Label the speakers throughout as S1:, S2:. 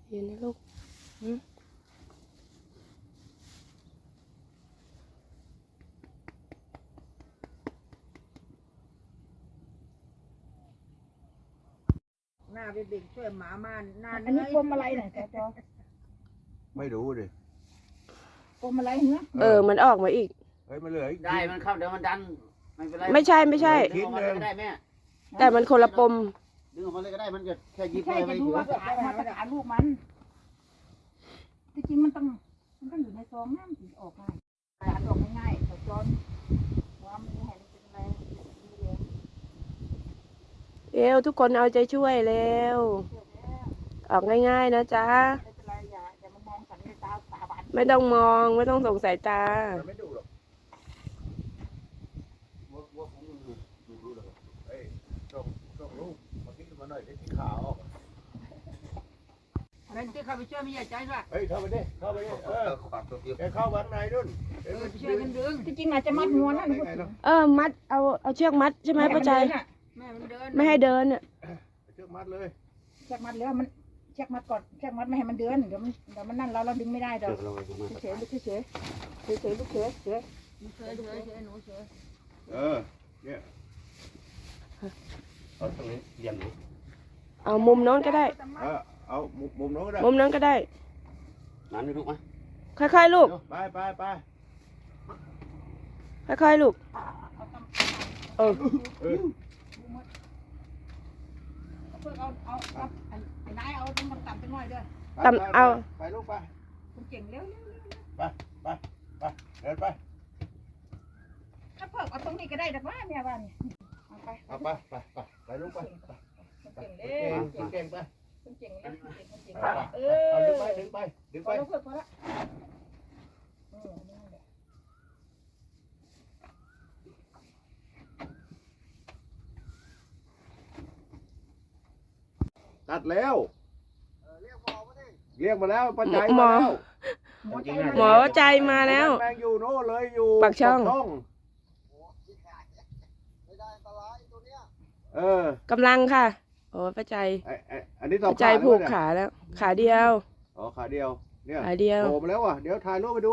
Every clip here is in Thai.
S1: เย็นนะลูก
S2: หน้าเด็กๆช่วยหมามาหน้า
S3: อันนี้ปมอะไรเนี่ยจอ
S4: ไม่รู้ดิ
S3: ปมอะไรเหรอ
S1: มันออกมาอีก
S4: เฮ้ยมันเหลืออีก
S5: ได้มันเข้าเดี๋ยวมันดันไม่เป็นไร
S1: ไม่ใช่ไม่ใช่
S5: ดึงออกมาเลยก็ได้แม่
S1: แต่มันคนละปม
S5: ดึงออกมาเลยก็ได้มันจะแค่ยิบ
S3: ใช่
S5: เลย
S3: จะ
S5: ไม่
S3: ดู
S5: ถือ
S3: ว่ามาตรฐานลูกมันที่จริงมันต้องอยู่ในซองน้ำถึงออกง่ายการออกง่ายๆแต่จอนว่ามันเห็นเป็นอะไร
S1: ทุกคนเอาใจช่วยเร็วออกง่ายๆนะจ๊ะ
S3: ไม่เป็นไรอย่ามามองสันในตาบาน
S1: ไม่ต้องมองไม่ต้องส่งสายตา
S4: มันไม่ดูหรอกวัวคงดูหรอกเฮ้ยส่งลูกมาคิดมาหน่อยได้ที่ขาว
S2: แล้วที่เข้าไปช่วยไม่ใหญ่ใจด้วย
S4: เฮ้ยเข้าไปดิเข้าไปดิ
S5: ความตัวเดียว
S4: แกเข้าบ้านในนู่น
S2: ช่วยกันดึง
S3: ที่จริงอาจจะมัดงวนนั่นพูดถึง
S1: มัดเอาเชือกมัดใช่ไหมป้าใจ
S2: แม่มันเดิน
S1: ไม่ให้เดินอ่ะ
S4: เชือกมัดเลย
S3: เชือกมัดแล้วมันเชือกมัดก่อนเชือกมัดไม่ให้มันเดินเดี๋ยวมันนั่นเราดึงไม่ได้ดอก
S5: เราไปดูมา
S3: เฉยลูกเฉยลูกเฉย
S2: เฉยหนูเฉย
S4: เนี่ย
S5: เอาตรงนี้เรียนหนู
S1: เอามุมโน้นก็ได้
S4: เอามุมโน้นก็ได้
S1: มุมโน้นก็ได้
S5: นั้นไม่รู้ไหม
S1: ค่อยๆลูก
S4: ไป
S1: ค่อยๆลูกเออ
S3: เอาไอ้นายเอาตรงต่ำๆไปหน่อยด้วย
S4: ไปลูกไป
S3: คุณเก่งเร็ว
S4: เดินไป
S3: ถ้าเพิ่มเอาตรงนี้ก็ได้แต่ว่าเนี่ยว่านี่เอาไป
S4: ไปลูกไป
S3: เก่งเร็ว
S4: เก่งไป
S3: คุณเก่ง
S4: เอาดึงไป
S3: พอแล้วเพิ่มพอแล้วนั่นแหละ
S4: ตัดแล้วเรียกมาแล้วป้าใจ
S1: หม
S4: มา
S1: อ
S4: แล้ว
S1: หมอใจมาแล้ว
S4: แมงอยู่โน่เลยอยู่
S1: ปากช่อง
S4: กำลังค่ะ
S1: โอ้ป้าใจ
S4: อันนี้ต่อ
S1: ป้าใจผูกขาแล้ว ขาเดียว
S4: อ๋อขาเดียวเนี่ย
S1: ขาเดียว
S4: โผล่มาแล้วอ่ะเดี๋ยวถ่ายรูปไปดู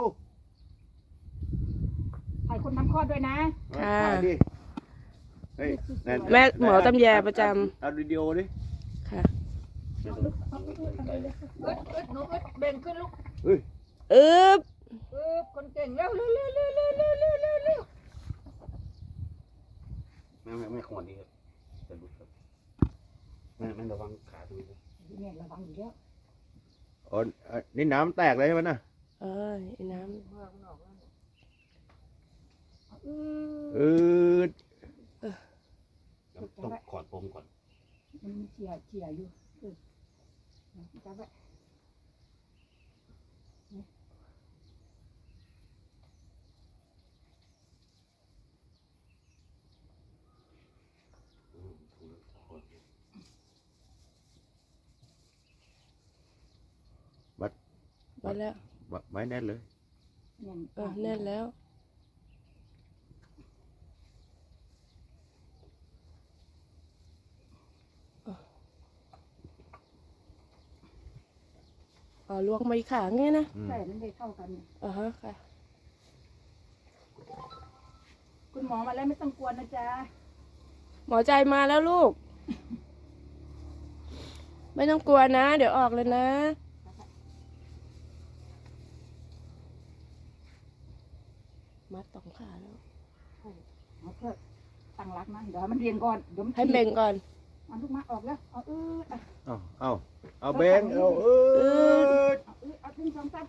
S3: ถ่ายคนทำคลอดด้วยนะ
S1: ค่ะ
S4: ถ่ายดิเฮ้ย
S1: แม่หมอตำแยประจ
S4: เอาวิดีโอดิ
S1: ำค่ะ
S2: อึดหนูอึดเบ่งขึ้นลูก
S1: อึ๊บ
S2: คนเก่งเร็ว
S5: ไม่ขวดดีครับจะรู้ครับแม่ระวังขาดูนะ
S3: เนี่ยระวังอยู่แล้ว
S4: อ๋อนี่น้ำแตกเลยใช่ไหมน่ะ
S1: ไอ้น้
S4: อืด
S5: ต้องขอดปมก่อน
S3: มันเฉียอยู่จับไว้
S1: ำมาแล้ว
S4: ไม้แน่นเลย
S1: แน่นแล้วลวงมาอีกขาเงี้ยนะ
S3: ใช่มันได้เท่ากัน
S1: ค่ะ
S3: คุณหมอมาแล้วไม่ต้องกลัวนะจ๊ะ
S1: หมอใจมาแล้วลูก ไม่ต้องกลัวนะ เดี๋ยวออกเลยนะ มัดสองขาแล้ว
S3: เอาเถอะตั้งรักนะเดี๋ยวมันเรียนก่อนเดี๋ยวมัน
S1: ให้เบ่งก่อน
S3: เอาลูกมาออกแล้วเอา
S4: เอาเบงเอา
S3: เอาถึงสองสาม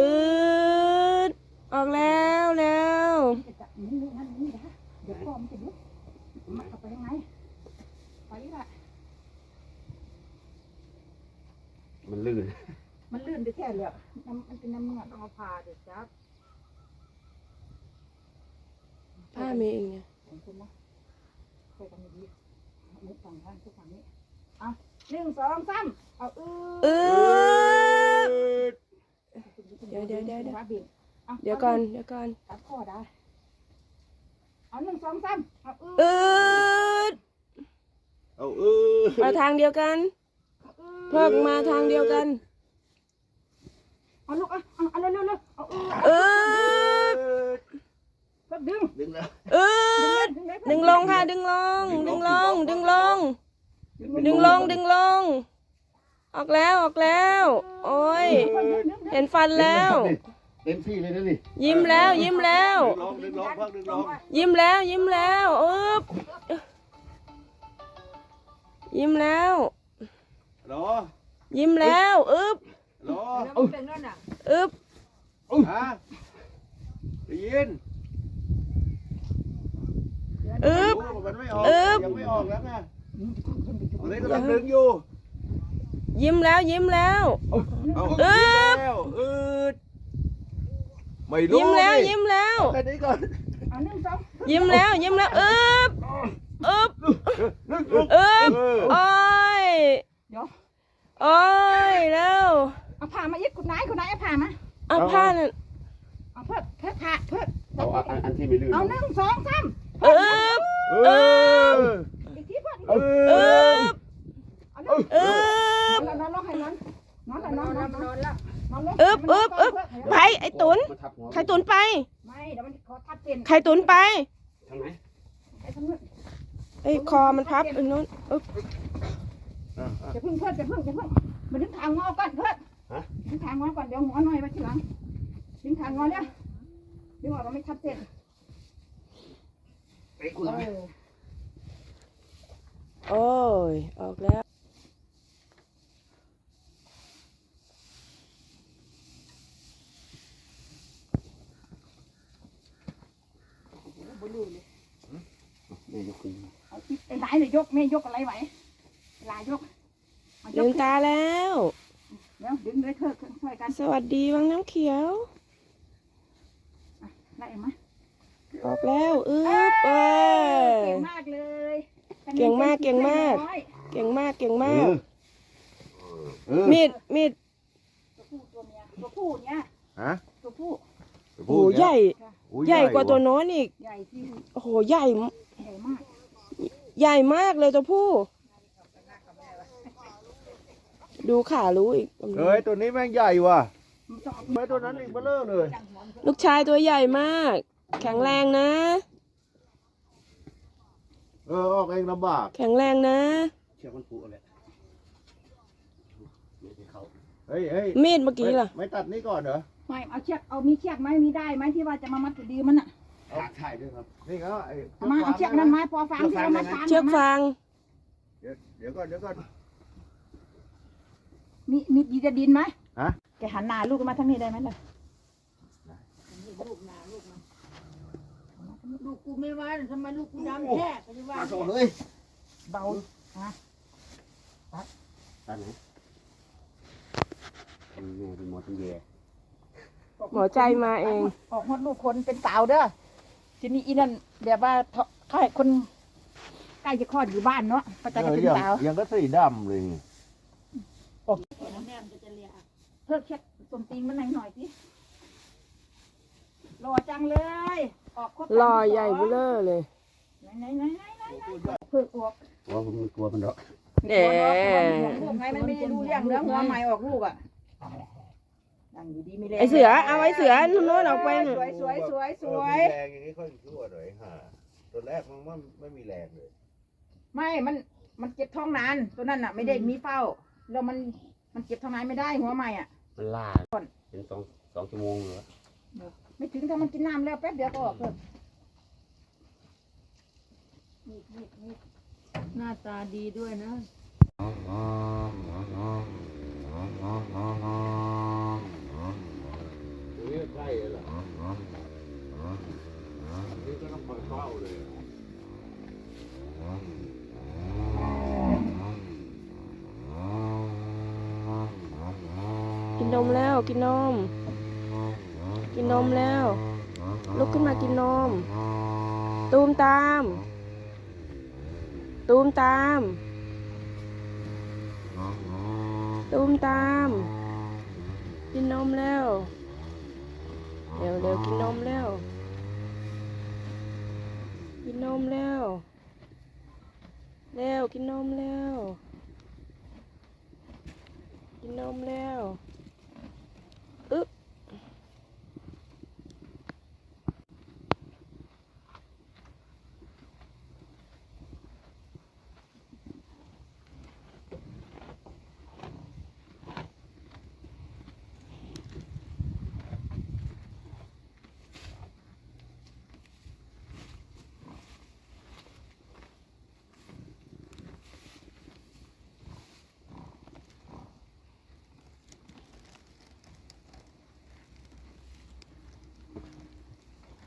S1: ออกแล้วแล้ว
S3: นี่นะเดี๋ยวพ่อมันจะลุกมาเข้าไปยังไงไปละ
S5: มันลื่น
S3: มันลื่นไปแค่เลยมันเป็นน้ำเมือก
S2: ต้องเอาผ่าเด็กจับ
S1: ผ้ามีเองไง
S3: ของคุณนะค่อยทำดีมุกฝั่งข้างทุกฝั่งนี้อ่ะ1 2 3เอา
S1: เดี๋ยว
S3: เดี๋ยว
S1: ก่อน
S3: ตัดข้อได้เอา1 2 3เอา
S4: เอา
S1: มาทางเดียวกันเพิกมาทางเดียวกัน
S3: เอาลูกเอาเร็วเอา
S1: อึบ
S3: ดึง
S5: ดึงแล้ว
S1: อึบดึงลงค่ะดึงลงดึงลงดึงลงดึงลงดึงลงออกแล้วออกแล้วโอ้ยเห็นฟันแล้ว
S5: เต็มที่เลยนะนี่
S1: ยิ้มแล้วยิ้มแล้ว
S4: ดึงลองพักดึงลอง
S1: ยิ้มแล้วยิ้มแล้วอึบยิ้มแล้ว
S4: รอ
S1: ยิ้มแล้วอึบ
S4: รอ
S3: เป็นนั่นน่ะ
S1: อึบ
S4: ฮะได้ยิน
S1: อึบ
S4: มันไม่ออก
S1: อึ๊บ
S4: ยังไม่ออกแล้วไงอันนี้กำลังดึงอยู่
S1: ยิ้มแล้วยิ้มแล้ว
S4: เอา
S1: อึ๊บ
S4: แล้วอืดไม่รู้
S1: ยิ้มแล้ว
S4: ดิ
S1: ยิ้มแล้ว
S4: แค่นี้ก่อน
S3: เอา1 2
S1: ยิ้มแล้วยิ้มแล้วอึบอึบ
S4: นึก
S1: อึบโอ้ย
S3: เดี๋ยว
S1: โอ้ยแล้ว
S3: เอาผ้ามาอีกคุณนายเอาผ้ามา
S1: เอาผ้านั่น
S3: เอาเพิ่มผ้าเพิ่ม
S5: เอาอันที่ไม่ลื่น
S3: เอา1 2 3
S1: อึบ
S4: เออ
S3: อีกทีเพิ่ม
S4: เอ
S1: อึ
S4: อบ
S3: เอาเลย
S1: อึบ
S3: นอนลงให้นอนแล้ว
S1: อึบอึบอึบไปไอ้ตุน
S5: มันทับหัว
S1: ใครตุนไป
S3: ไม่เดี๋ยวมันขอทับเส้น
S1: ใครตุนไป
S5: ทางไหน
S3: ไอ้ทั้งนู้น
S1: ไอ้คอมันพับไอ้นู้นอึบ
S3: จะพึ่งมาดึงทางงอก่อนเพิ่มดึงทางงอก่อนเดี๋ยวหัวหน่อยมาทีหลังดึงทางงอเนี่ยดึงออกเราไม่ทับเส้น
S5: เตะกูทำไม
S1: โอ้ยออกแล้ว
S5: แม่ยกขึ้น
S3: ไอ้ไหนเนี่ยยกแม่ยกอะไรไหวลายก
S1: ลืมตาแล้ว
S3: เดี๋ยวดึงเลยเถอะช่วยกัน
S1: สวัสดีวังน้ำเขียว
S3: ไล่มา
S1: ออกแล้วอึบเออ
S3: เก่งมากเลย
S1: เก่งมากเก่งมาก เก่งมากเก่งมาก มีด
S3: ตัวผู้ตัวเมียตัวผู้เนี่ย
S4: ฮะ
S3: ตัวผู้
S1: โอ้โหใหญ่ ใหญ่กว่าตัวโน้นอีก
S3: ใหญ่ที่
S1: โอ้โหใหญ่
S3: ใหญ่มาก
S1: ใหญ่มากเลยตัวผู้ ดูขารู้อีก
S4: เฮ้ยตัวนี้แม่งใหญ่ว่ะ
S3: มันต้องเอา
S4: ไม่ตัวนั้นอีกเบลอเลย
S3: จังหัวมัน
S1: ลูกชายตัวใหญ่มาก แข็งแรงนะ
S4: ออกเองลำบาก
S1: แข็งแรงนะ
S5: เชือกมันผูกอะไรไม่ได้เขา
S4: เฮ้ยเฮ้ย
S1: มีดเมื่อกี้ล่ะ
S4: ไม่ตัดนี่ก่อนเหรอ
S3: ไม่เอาเชือกเอามีเชือกไหมมีได้ไหมที่ว่าจะมามัดตัวดีมันอ่ะ
S5: ขาดใช่ด้วยครับ
S4: นี่เขาไอ้
S3: เอามาเอาเชือกนั้นมาพอฟังที่เรามาตาม
S1: เชือกฟาง
S4: เดี๋ยวก่อน
S3: มีดีจะดินไหม
S4: ฮะ
S3: แกหันหน้าลูกมาทางนี้ได้ไหมล่ะ
S2: ลูกกูไม่ว่าทำไมลูกกูดำแท้ก็จะว่า
S5: โอ้เฮ้ย
S3: เบา
S5: ตาไหนเป็นแม่เป็นหมอเป็นแย่
S1: หมอใจมาเอง
S3: ออกฮอดลูกคนเป็นสาวเด้อทีนี้อีนั่นแบบว่าเขาให้คนใกล้จะคลอดอยู่บ้านเนาะก็จะเป็นสาว
S4: ยังก็สีดำเลย
S2: แม่มันจะเลีย
S3: เพิ่มเช็ดสมตีนมันหน่อยสิรอจังเลย ออกครบ
S1: รอใหญ่เบ้อเร่อเลย
S3: ไหนเพิ่งออก
S5: ว่าผมไม่กลัวมันหรอก
S1: เด้
S3: ลูกไงมันไม่ได้รู้เรื่องเนื้อหัวใหม่ออกลูกอ่ะนั่งอยู่ดีไม่แรง
S1: ไอเสือเอาไอเสือโน้นออกไปน่ะ
S3: สวย
S4: แรงอย่างนี้ค่อยชั่วหน่อยฮะตัวแรกมันไม่มีแรงเลย
S3: ไม่มันเก็บท้องนานตัวนั้นอ่ะ ไม่ได้มีเฝ้าแล้วมันเก็บท้องนานไม่ได้หัวใหม่อ่ะ
S5: มันล่าเป็นสองชั่วโมงเหรอ
S3: ไม่ถึงถ้ามันกินน้ำแล้วแป๊บเดียวก็ออกเลย
S2: หน้าตาดีด้วยนะ
S4: นี่ใกล้เลยเหรอนี่ก็ต้องคอยเฝ้าเลย
S1: กินนมแล้วกินนม กินนมแล้ว ลุกขึ้นมากินนม ตูมตาม ตูมตาม ตูมตาม กินนมแล้วเร็วเร็วกินนมแล้ว กินนมแล้วเร็วกินนมแล้ว กินนมแล้ว